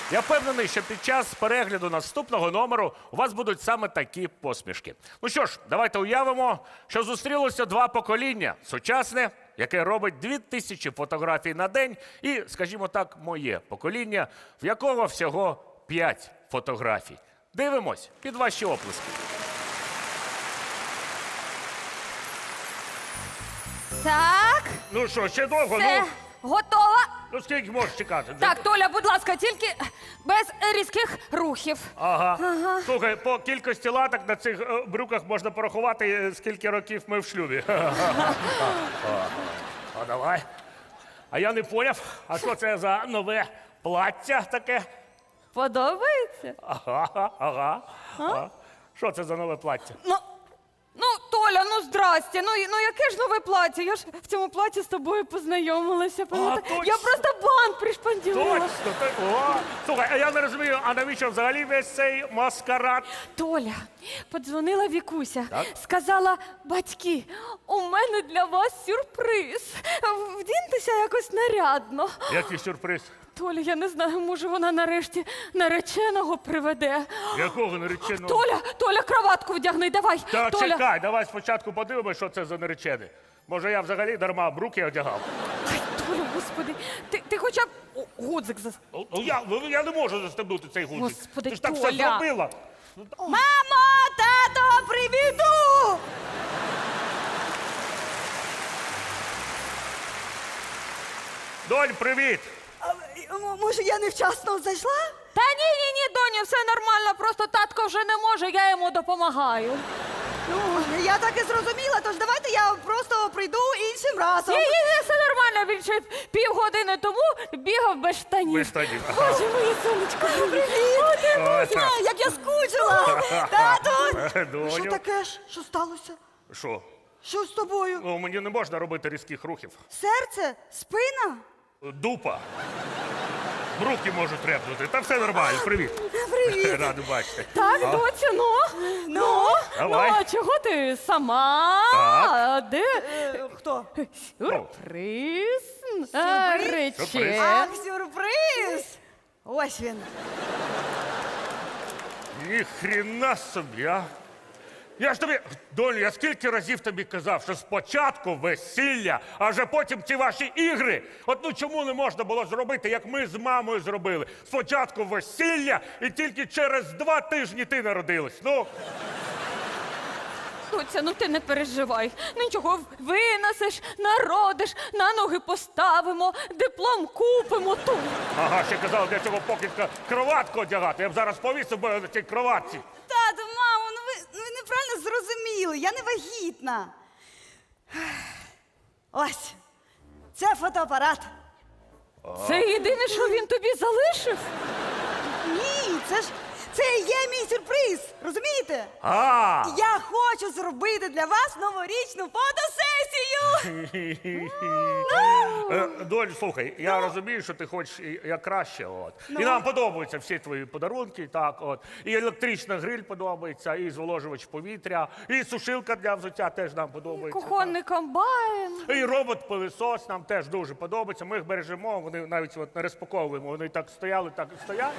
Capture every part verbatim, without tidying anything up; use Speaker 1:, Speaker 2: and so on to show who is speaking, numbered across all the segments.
Speaker 1: Я впевнений, що під час перегляду наступного номеру у вас будуть саме такі посмішки. Ну що ж, давайте уявимо, що зустрілося два покоління. Сучасне, яке робить дві тисячі фотографій на день, і, скажімо так, моє покоління, в якого всього п'ять фотографій. Дивимось під ваші оплески.
Speaker 2: Так,
Speaker 1: Ну що, ще довго?
Speaker 2: все,
Speaker 1: Ну,
Speaker 2: готова.
Speaker 1: ну скільки можеш чекати?
Speaker 2: Так, Толя, будь ласка, тільки без різких рухів.
Speaker 1: Ага. Слухай, по кількості латок на цих е, брюках можна порахувати, е, скільки років ми в шлюбі. А давай. А я не поняв, а що це за нове плаття таке?
Speaker 2: Подобається?
Speaker 1: Ага, ага. А? Що це за нове плаття?
Speaker 2: Ну, ну, Толя, ну здрасте. Ну, і- ну яке ж нове плаття? Я ж в цьому платі з тобою познайомилася. пам'ятаєш?
Speaker 1: точно.
Speaker 2: Я просто бант пришпандюрила.
Speaker 1: Точно, так. О, слухай, а я не розумію, а навіщо взагалі весь цей маскарад?
Speaker 2: Толя, подзвонила Вікуся,
Speaker 1: Так?
Speaker 2: сказала, батьки, у мене для вас сюрприз. Вдіньтеся якось нарядно.
Speaker 1: Який сюрприз?
Speaker 2: Толя, я не знаю, може вона нарешті нареченого приведе.
Speaker 1: Якого нареченого?
Speaker 2: Толя, Толя, краватку вдягни, давай.
Speaker 1: Та
Speaker 2: Толя.
Speaker 1: чекай, давай спочатку подивимось, що це за наречений. Може, я взагалі дарма бруки одягав.
Speaker 2: Ай, Толя, господи, ти, ти хоча б О, гудзик зас...
Speaker 1: Ну, я, ну, я не можу застебнути цей гудзик.
Speaker 2: Господи,
Speaker 1: Ти ж так все
Speaker 2: Толя.
Speaker 1: зробила.
Speaker 2: Мамо, тато, привіду!
Speaker 1: Донь, привіт!
Speaker 3: А, м- Може, я невчасно зайшла?
Speaker 2: Та ні, ні, ні, доню, все нормально, просто татко вже не може, я йому допомагаю.
Speaker 3: Ну, я так і зрозуміла, тож давайте я просто прийду іншим разом.
Speaker 2: Ні, ні, ні, все нормально, він ще півгодини тому бігав без штанів.
Speaker 1: Без штанів, ага.
Speaker 2: Боже, моє сонечко, привіт! О, ти
Speaker 3: Боже, як я скучила! Тату!
Speaker 1: Доню.
Speaker 3: Що таке ж? Що сталося?
Speaker 1: Що?
Speaker 3: Що з тобою?
Speaker 1: Ну, мені не можна робити різких рухів.
Speaker 3: Серце? Спина?
Speaker 1: Дупа. Бруки можуть репнути. Та все нормально, привіт.
Speaker 3: Привіт!
Speaker 1: Радий бачити.
Speaker 2: Так, доцю, ну, ну,
Speaker 1: Давай.
Speaker 2: ну, а чого ти сама?
Speaker 1: Так.
Speaker 2: А де
Speaker 3: Е, Хто?
Speaker 2: сюрприз?
Speaker 3: Сюрприз?
Speaker 2: Нарече.
Speaker 3: Ах, сюрприз! Ось він.
Speaker 1: Ніхрена собі, а. Я ж тобі, Доню, я скільки разів тобі казав, що спочатку весілля, а вже потім ці ваші ігри. От ну чому не можна було зробити, як ми з мамою зробили? Спочатку весілля, і тільки через два тижні ти народилась. Ну,
Speaker 2: Доця, ну ти не переживай. Нічого, винесеш, народиш, на ноги поставимо, диплом купимо тут.
Speaker 1: ага, ще казав, для цього покидька кроватку одягати. Я б зараз повісив би на цій кроватці.
Speaker 3: Тату, мамо, ну ви, ну ви неправильно зрозуміли, я не вагітна. Ось, це фотоапарат.
Speaker 2: Це єдине, що він тобі залишив?
Speaker 3: Ні, це ж це і є мій сюрприз, розумієте?
Speaker 1: А,
Speaker 3: Я хочу зробити для вас новорічну фотосесію.
Speaker 1: Е, Доль, слухай, я розумію, що ти хочеш і- як краще. От. І нам подобаються всі твої подарунки, так, от. І електрична гриль подобається, і зволожувач повітря, і сушилка для взуття теж нам подобається.
Speaker 2: Кухонний комбайн.
Speaker 1: так. І робот-пилисос нам теж дуже подобається. Ми їх бережемо, вони навіть от не розпаковуємо, вони так стояли, так і стоять.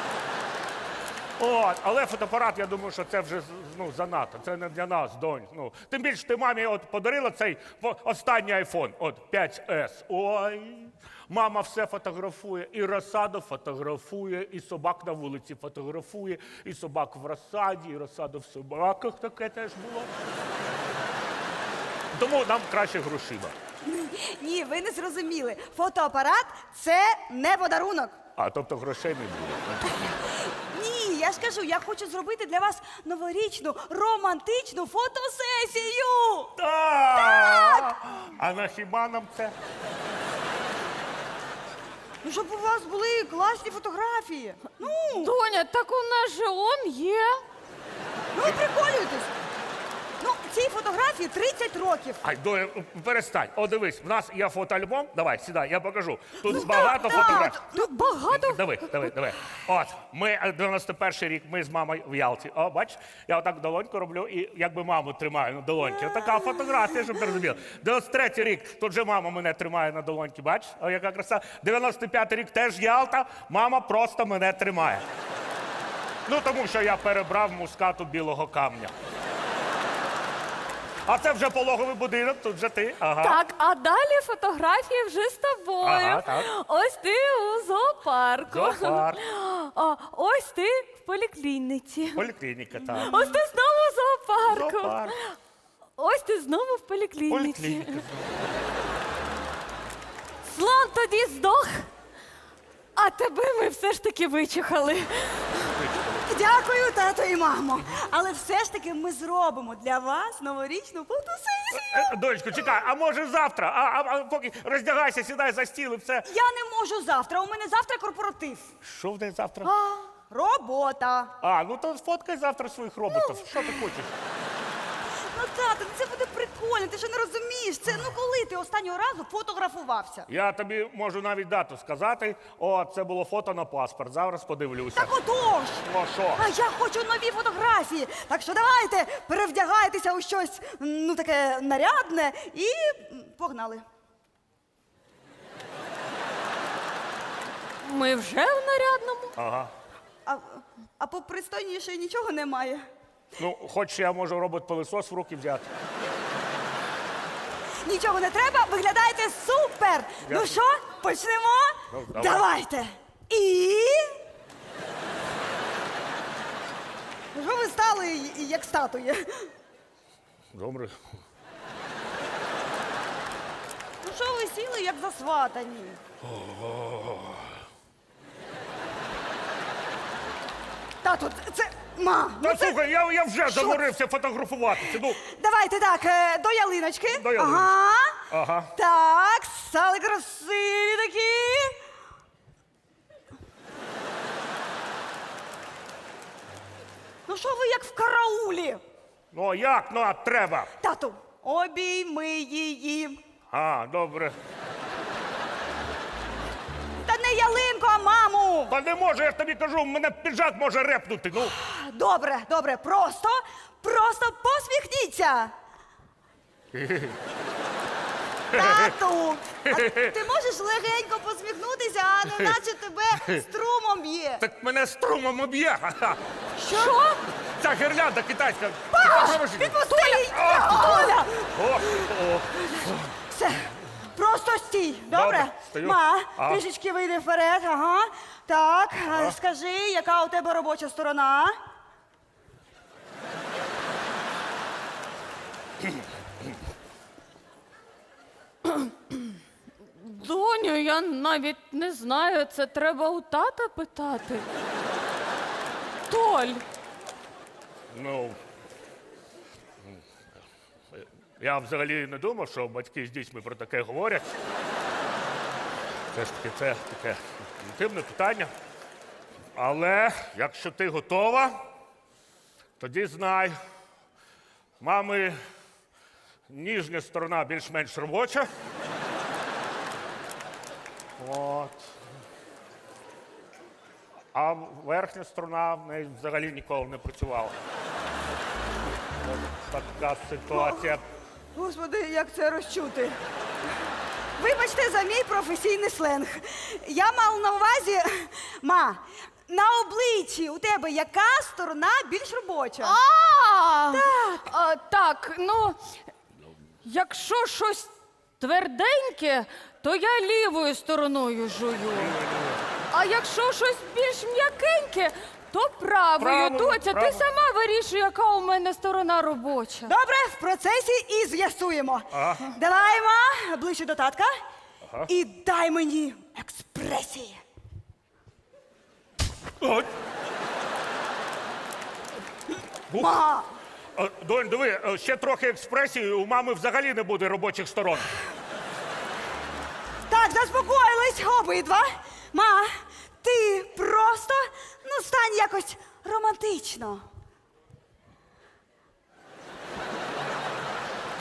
Speaker 1: От, але фотоапарат, я думаю, що це вже ну, занадто. Це не для нас, донь. Ну, тим більше ти мамі от подарила цей фо- останній айфон, от п'ять ес. Ой, мама все фотографує, і розсаду фотографує, і собак на вулиці фотографує, і собак в розсаді, і розсаду в собаках таке теж було. Тому нам краще грошима.
Speaker 3: Ні, ви не зрозуміли. Фотоапарат це не подарунок.
Speaker 1: А, тобто грошей не буде.
Speaker 3: Ні, я ж кажу, я хочу зробити для вас новорічну романтичну фотосесію.
Speaker 1: Так! А на хіба нам це?
Speaker 3: Ну, щоб у вас були класні фотографії. Ну,
Speaker 2: Доня, так у нас же он є.
Speaker 3: ну ви приколюєтесь. Ну, ці фотографії фотографії тридцять років.
Speaker 1: Ай, Доля, перестань. О, дивись, в нас є фотоальбом. Давай, сідай, я покажу. Тут багато
Speaker 3: так,
Speaker 1: фотографій.
Speaker 2: Ну, багато.
Speaker 1: Давай, давай, давай. От, ми е, дев'яносто перший рік, ми з мамою в Ялті. О, бач, я отак долоньку роблю і якби маму тримаю на долоньці. Отака фотографія, щоб ти розумів. дев'яносто третій рік, тут же мама мене тримає на долоньці, бач? О, яка краса. дев'яносто п'ятий рік теж Ялта, мама просто мене тримає. Ну, тому що я перебрав мускату білого камня. А це вже пологовий будинок, тут вже ти. Ага.
Speaker 2: Так, а далі фотографії вже з тобою.
Speaker 1: Ага, так.
Speaker 2: Ось ти у зоопарку.
Speaker 1: Зоопарк.
Speaker 2: А, ось ти в поліклініці.
Speaker 1: Поліклініка, так.
Speaker 2: Ось ти знову в зоопарку.
Speaker 1: Зоопарк.
Speaker 2: Ось ти знову в поліклініці.
Speaker 1: Поліклініка.
Speaker 2: Слон тоді здох, а тебе ми все ж таки вичухали.
Speaker 3: Дякую, тато і мамо. Але все ж таки ми зробимо для вас новорічну фотосесію.
Speaker 1: Е, Дочко, чекай, а може завтра? А, а, а поки роздягайся, сідай за стіл і все.
Speaker 3: Я не можу завтра. У мене завтра корпоратив.
Speaker 1: Що в день завтра?
Speaker 3: А, робота.
Speaker 1: А, ну то сфоткай завтра своїх роботів. Що ти хочеш?
Speaker 3: Ну, тато, ну це буде прикольно. Ти що не розумієш? Це ну коли ти останнього разу фотографувався?
Speaker 1: Я тобі можу навіть дату сказати. О, це було фото на паспорт. Зараз подивлюся.
Speaker 3: Так отож!
Speaker 1: Ну що?
Speaker 3: А я хочу нові фотографії. Так що давайте перевдягайтеся у щось ну таке нарядне і м, погнали.
Speaker 2: Ми вже в нарядному.
Speaker 1: Ага.
Speaker 3: А, а попристойніше нічого немає.
Speaker 1: Ну, хоч я можу робот-пилисос в руки взяти.
Speaker 3: Нічого не треба, виглядаєте супер! Ну
Speaker 1: Дякую.
Speaker 3: що, почнемо?
Speaker 1: Ну, давай.
Speaker 3: Давайте. І. Ну, що ви стали і- і як статуї?
Speaker 1: Добре.
Speaker 3: Ну що ви сіли, як засватані? Тату, це. Ма, ну
Speaker 1: Та
Speaker 3: це...
Speaker 1: слухай, я, я вже
Speaker 3: Що?
Speaker 1: заморився фотографуватися. Ну,
Speaker 3: Давайте так, е, до ялиночки.
Speaker 1: До ялиночки.
Speaker 3: Ага.
Speaker 1: Ага.
Speaker 3: Так, стали красиві такі. Ну що ви як в караулі?
Speaker 1: ну а як? Ну, а треба.
Speaker 3: Тату, обійми її.
Speaker 1: А, добре.
Speaker 3: Та не ялинку, а маму.
Speaker 1: Та не можу, я ж тобі кажу, мене піджак може репнути. Ну,
Speaker 3: Добре, добре, просто, просто посміхніться. Тату, а ти можеш легенько посміхнутися, а не наче тебе струмом б'є.
Speaker 1: так мене струмом об'є. Ха-ха.
Speaker 3: Що?
Speaker 1: Ця гірлянда китайська.
Speaker 3: Паш, відпусти її! Оля!
Speaker 1: О, о.
Speaker 3: Все, просто стій, добре?
Speaker 1: Добре, стою.
Speaker 3: Ма,
Speaker 1: Ага.
Speaker 3: трішечки вийди вперед, ага. Так, а скажи, яка у тебе робоча сторона?
Speaker 2: Доню, я навіть не знаю, це треба у тата питати. Толь,
Speaker 1: Ну, я взагалі не думав, що батьки з дітьми про таке говорять. Це ж таки це таке інтимне питання. Але якщо ти готова, тоді знай, мами ніжня сторона більш-менш робоча. От. А верхня сторона в неї взагалі ніколи не працювала. От така ситуація.
Speaker 3: Господи, як це розчути? Вибачте за мій професійний сленг. Я мав на увазі, ма, на обличчі у тебе яка сторона більш робоча?
Speaker 2: А, так. А, так, ну, якщо щось тверденьке, то я лівою стороною жую. А якщо щось більш м'якеньке, то правою.
Speaker 1: Правою,
Speaker 2: Доця, ти
Speaker 1: правою.
Speaker 2: сама вирішуй, яка у мене сторона робоча.
Speaker 3: Добре, в процесі і з'ясуємо.
Speaker 1: Ага.
Speaker 3: Давай, ма, ближче до татка.
Speaker 1: Ага.
Speaker 3: І дай мені експресії.
Speaker 1: От. Ух.
Speaker 3: Ма,
Speaker 1: Е, Донь, диви, е, ще трохи експресії, у мами взагалі не буде робочих сторон.
Speaker 3: так, заспокоїлись обидва. Ма, ти просто, ну, стань якось романтично.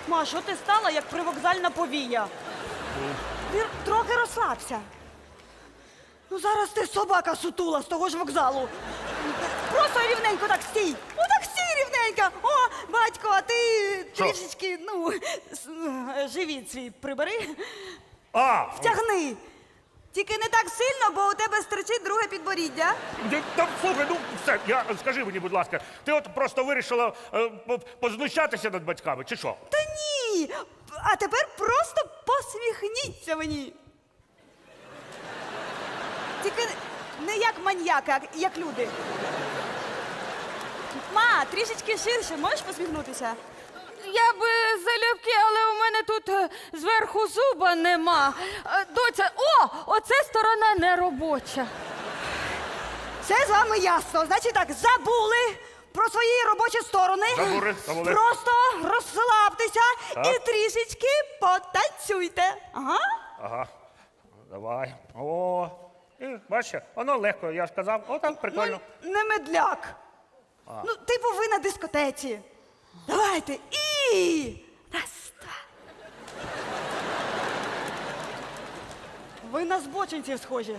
Speaker 3: Ма, що ти стала, як привокзальна повія? Ти трохи розслабся. Ну зараз ти собака сутула з того ж вокзалу. Просто рівненько так стій. Ну так стій рівненько. О, батько, а ти
Speaker 1: Що?
Speaker 3: трішечки, ну, с- е, живіт свій прибери.
Speaker 1: А,
Speaker 3: Втягни. Тільки не так сильно, бо у тебе стричить друге підборіддя.
Speaker 1: я- та, слухай, ну все, я, скажи мені, будь ласка, ти от просто вирішила е, по- познущатися над батьками, чи що?
Speaker 3: Та ні. А тепер просто посміхніться мені. Тільки не як маньяки, а як люди. Ма, трішечки ширше, можеш посміхнутися?
Speaker 2: Я би залюбки, але у мене тут е, зверху зуба нема. Е, Доця, о, оце сторона неробоча.
Speaker 3: Все з вами ясно. Значить так, забули про свої робочі сторони.
Speaker 1: Забули, забули.
Speaker 3: Просто розслабтеся
Speaker 1: Так.
Speaker 3: і трішечки потанцюйте. Ага.
Speaker 1: Ага, давай. О, і, бачиш, воно легко, я ж казав, о, так прикольно.
Speaker 3: Ну, не медляк. Ну, типу ви на дискотеці. Давайте. І. Раз, два. Ви на збочинців схожі.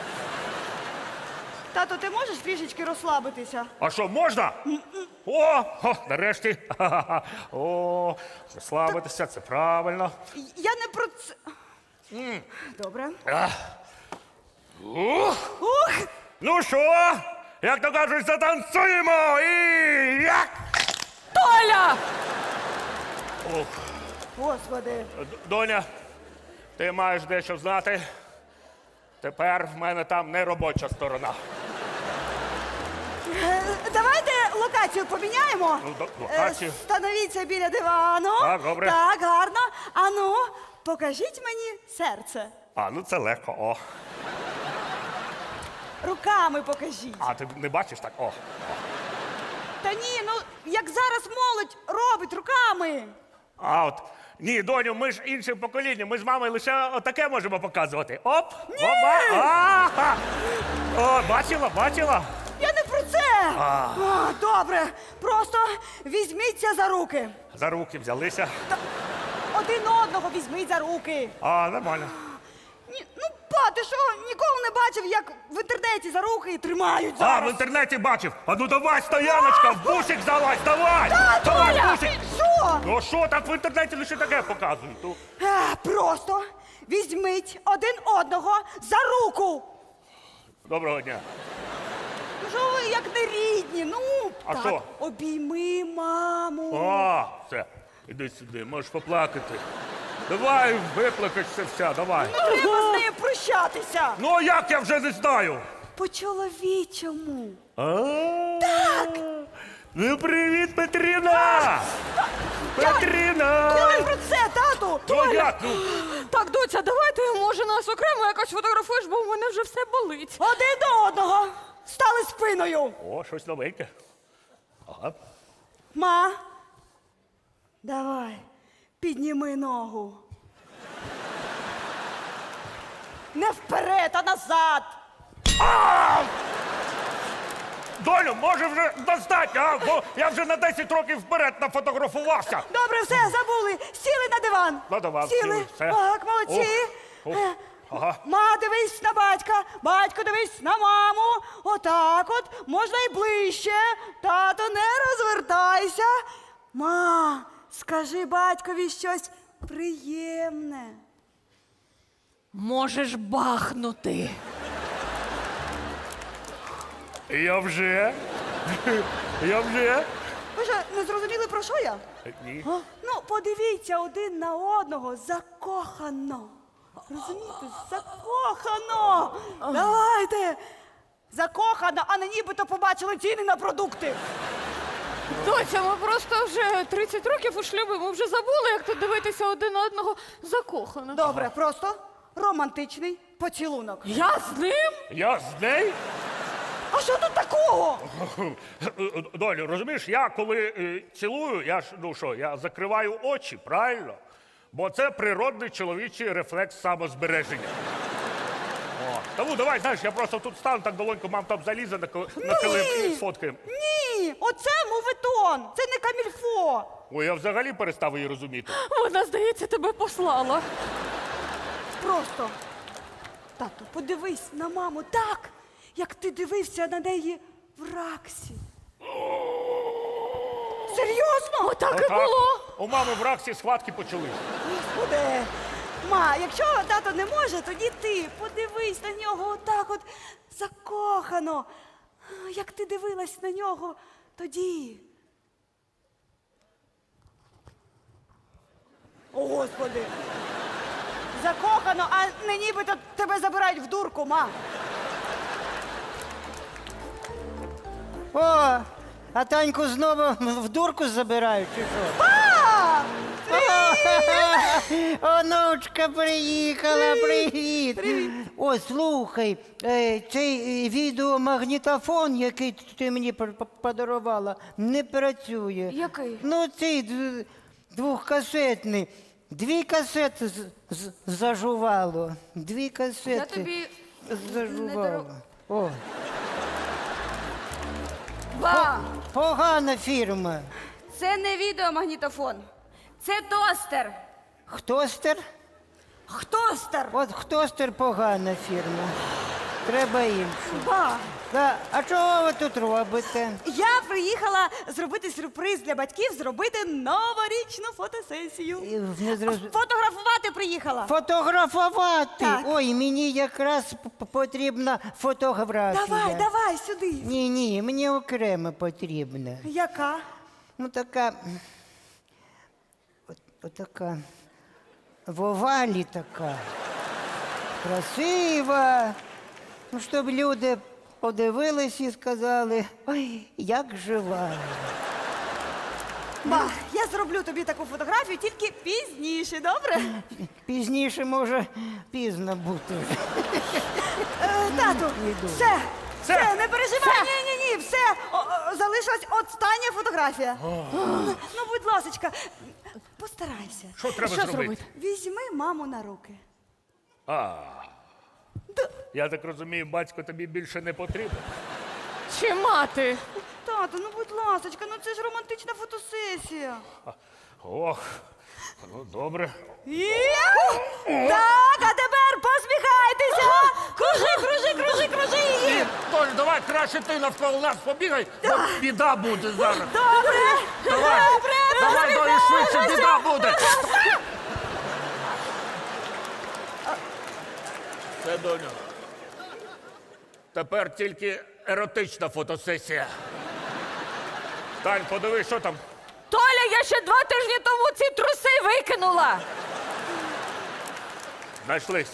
Speaker 3: Тато, ти можеш трішечки розслабитися?
Speaker 1: А що, можна? О, о, нарешті. Ха-ха-ха. О, розслабитися, це правильно.
Speaker 3: Я не про це. Добре.
Speaker 1: Ух,
Speaker 3: Ух!
Speaker 1: ну що, як то кажуть, затанцюємо і як?
Speaker 2: Толя!
Speaker 1: Ох,
Speaker 3: Господи.
Speaker 1: Д- Доня, ти маєш дещо знати. Тепер в мене там не робоча сторона.
Speaker 3: Е, Давайте локацію поміняємо.
Speaker 1: Ну, до-
Speaker 3: Е,
Speaker 1: локацію.
Speaker 3: Становіться біля дивану.
Speaker 1: Так, добре.
Speaker 3: Так, гарно. Ану, покажіть мені серце.
Speaker 1: А, ну це легко, о.
Speaker 3: Руками покажіть.
Speaker 1: А, ти не бачиш так? О.
Speaker 3: Та ні, ну як зараз молодь робить руками.
Speaker 1: А от, ні, доню, ми ж іншим поколінням, ми з мамою лише отаке можемо показувати. Оп, опа, а О, бачила, бачила?
Speaker 3: Я не про це. О, добре, просто візьміться за руки.
Speaker 1: За руки взялися.
Speaker 3: Один одного візьміть за руки.
Speaker 1: А, нормально.
Speaker 3: Ні, ну, па, ти що, ніколи не бачив, як в інтернеті за руки тримають
Speaker 1: А,
Speaker 3: зараз?
Speaker 1: в інтернеті бачив. А ну давай, стояночка, в бусик залазь, давай!
Speaker 3: Та,
Speaker 1: Давай,
Speaker 3: Толя,
Speaker 1: в бусик!
Speaker 3: ти що?
Speaker 1: Ну що, так в інтернеті лише таке показують. Ну,
Speaker 3: Е, Просто візьміть один одного за руку.
Speaker 1: доброго дня.
Speaker 3: Ну що ви як не рідні? Ну,
Speaker 1: А
Speaker 3: так,
Speaker 1: що?
Speaker 3: обійми маму.
Speaker 1: А, все, іди сюди, можеш поплакати. Давай, виплакайся вся, давай.
Speaker 3: Не треба з нею прощатися.
Speaker 1: Ну, а як я вже не знаю?
Speaker 3: По-чоловічому.
Speaker 1: Так! Ну, привіт, Петріна! Петріна!
Speaker 3: Я не про це, тату.
Speaker 1: Ну
Speaker 3: Толя.
Speaker 1: як, ну?
Speaker 2: Так, доця, давайте, може, нас окремо якось фотографуєш, бо у мене вже все болить.
Speaker 3: Один до одного. Стали спиною.
Speaker 1: О, щось новеньке. Ага.
Speaker 3: Ма, давай, підніми ногу. Не вперед, а назад.
Speaker 1: Доню, може вже достатньо, а? Бо я вже на десять років вперед нафотографувався.
Speaker 3: Добре, все, забули. Сіли на диван.
Speaker 1: На диван
Speaker 3: Сіли.
Speaker 1: сіли, все.
Speaker 3: Так, молодці.
Speaker 1: Ух, ух,
Speaker 3: Е,
Speaker 1: ага.
Speaker 3: Ма, дивись на батька, батько, дивись на маму. Отак от, можна і ближче. Тато, не розвертайся. Ма, скажи батькові щось приємне.
Speaker 2: Можеш бахнути.
Speaker 1: Я вже. Я вже.
Speaker 3: Ви що, не зрозуміли, про що я?
Speaker 1: Ні.
Speaker 3: Ну, подивіться один на одного закохано. Розумієте? Закохано. Давайте. Закохано, а не нібито побачили ціни на продукти.
Speaker 2: Доця, ми просто вже тридцять років у шлюбі, ми вже забули, як тут дивитися один на одного закохано.
Speaker 3: Добре, просто романтичний поцілунок.
Speaker 2: Я з ним?
Speaker 1: Я з нею?
Speaker 3: А що тут такого?
Speaker 1: Долю, розумієш, я коли е, цілую, я ж, ну що, я закриваю очі, правильно? Бо це природний чоловічий рефлекс самозбереження. О, тому давай, знаєш, я просто тут стану так долонько, мам там залізе на, ко- на килим і сфоткаємо.
Speaker 3: Ні, Оце мувитон, це не камільфо.
Speaker 1: Ой, я взагалі перестав її розуміти.
Speaker 2: Вона, здається, тебе послала.
Speaker 3: Просто. Тату, подивись на маму так, як ти дивився на неї в Раксі. Серйозно?
Speaker 2: Отак і
Speaker 1: Отак.
Speaker 2: було.
Speaker 1: У мами в Раксі схватки почались.
Speaker 3: Господи. Ма, якщо тато не може, тоді ти подивись на нього отак от закохано. Як ти дивилась на нього тоді. О, Господи. Закохано, а не нібито тебе забирають в дурку, ма.
Speaker 4: О, а Таньку знову в дурку забирають, чи що?
Speaker 3: А!
Speaker 4: Онучка приїхала, привіт. О, слухай, е, цей е, відеомагнітофон, який ти мені п- п- подарувала, не працює.
Speaker 2: Який?
Speaker 4: Ну, цей д- двохкасетний. Дві касети з- з- зажувало. Дві касети
Speaker 2: Я тобі не
Speaker 4: зажувало.
Speaker 2: дару-
Speaker 4: О,
Speaker 2: Ба!
Speaker 4: погана фірма.
Speaker 3: Це не відеомагнітофон. Це тостер.
Speaker 4: Хтостер?
Speaker 3: Хтостер.
Speaker 4: От хтостер погана фірма. Треба іншу.
Speaker 3: Ба.
Speaker 4: Да. А чого ви тут робите?
Speaker 3: Я приїхала зробити сюрприз для батьків, зробити новорічну фотосесію.
Speaker 4: І Не зроз...
Speaker 3: Фотографувати приїхала.
Speaker 4: Фотографувати?
Speaker 3: Так.
Speaker 4: Ой, мені якраз п- п- потрібна фотографія.
Speaker 3: Давай, давай сюди.
Speaker 4: Ні, ні, мені окремо потрібна.
Speaker 3: Яка?
Speaker 4: Ну така. От, отака. В овалі така. Красива. Ну, щоб люди подивились і сказали, ой, як жива.
Speaker 3: Ба, я зроблю тобі таку фотографію тільки пізніше, добре?
Speaker 4: Пізніше може пізно бути.
Speaker 3: Е, тату,
Speaker 4: Йду.
Speaker 3: все,
Speaker 1: Все.
Speaker 3: все, не переживай. Ні, ні, ні, все. О, о, залишилась остання фотографія. Ну, ну, будь ласочка, постарайся.
Speaker 1: Що треба
Speaker 2: Що
Speaker 1: зробити?
Speaker 2: зробити?
Speaker 3: Візьми маму на руки.
Speaker 1: А. Я так розумію, батько тобі більше не потрібен.
Speaker 2: Чи мати?
Speaker 3: Тату, ну будь ласочка, ну це ж романтична фотосесія.
Speaker 1: Ох, ну добре.
Speaker 3: Є! Так, а тепер посміхайтеся! Кружи, кружи, кружи, кружи її!
Speaker 1: Толь, давай краще ти навколо нас побігай, бо біда буде зараз.
Speaker 3: Добре!
Speaker 1: Давай,
Speaker 3: Добре!
Speaker 1: давай, давай, швидше, біда буде. Все, доню. Тепер тільки еротична фотосесія. Тань, подиви, що там.
Speaker 2: Толя, я ще два тижні тому ці труси викинула.
Speaker 1: Знайшлись.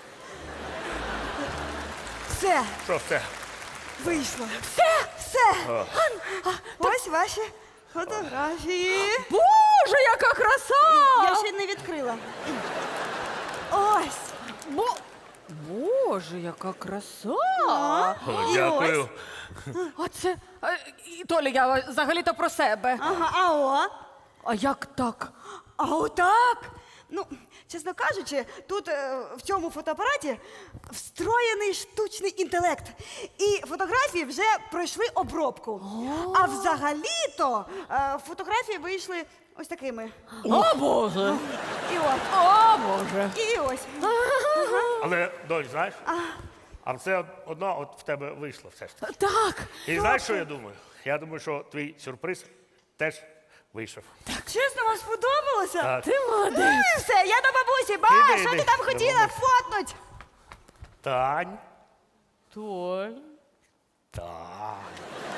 Speaker 3: Все,
Speaker 1: Що все?
Speaker 3: вийшло. Все, все. Ось ваші фотографії.
Speaker 2: Боже, яка краса!
Speaker 3: Я ще не відкрила. Ось.
Speaker 2: Бо... Боже, яка краса!
Speaker 1: О,
Speaker 3: І
Speaker 1: дякую.
Speaker 2: Оце... е, і, Толя, я взагалі-то про себе.
Speaker 3: Ага, а о.
Speaker 2: А як так?
Speaker 3: А отак. Ну, чесно кажучи, тут е, в цьому фотоапараті встроєний штучний інтелект. І фотографії вже пройшли обробку. А взагалі-то е, фотографії вийшли ось такими.
Speaker 2: О, Боже!
Speaker 3: І от.
Speaker 2: О, Боже!
Speaker 3: І ось.
Speaker 1: Але, донь, знаєш? А все одно от в тебе вийшло все ж таки.
Speaker 2: Так!
Speaker 1: І знаєш, що я думаю? Я думаю, що твій сюрприз теж вийшов.
Speaker 3: Чесно, вам сподобалося?
Speaker 1: Так.
Speaker 2: Ти молодець!
Speaker 3: Ну і все, я до бабусі. Ба,
Speaker 1: Іди,
Speaker 3: що
Speaker 1: іди,
Speaker 3: ти там
Speaker 1: до
Speaker 3: хотіла
Speaker 1: бабусі.
Speaker 3: фотнуть?
Speaker 1: Тань.
Speaker 2: Толь,
Speaker 1: Тань.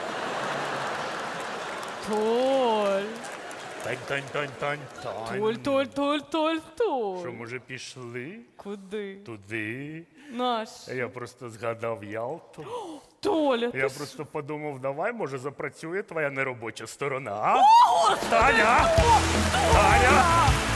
Speaker 2: Толь,
Speaker 1: Тань, тань, тань, тань, тань.
Speaker 2: Толь, Толь, Толь, Толь,
Speaker 1: Що,
Speaker 2: Толь.
Speaker 1: може, пішли
Speaker 2: Куди?
Speaker 1: туди?
Speaker 2: Наш.
Speaker 1: Я просто згадав Ялту.
Speaker 2: Толя,
Speaker 1: Я
Speaker 2: ти
Speaker 1: просто подумав, давай, може, запрацює твоя неробоча сторона. А? Таня! Таня!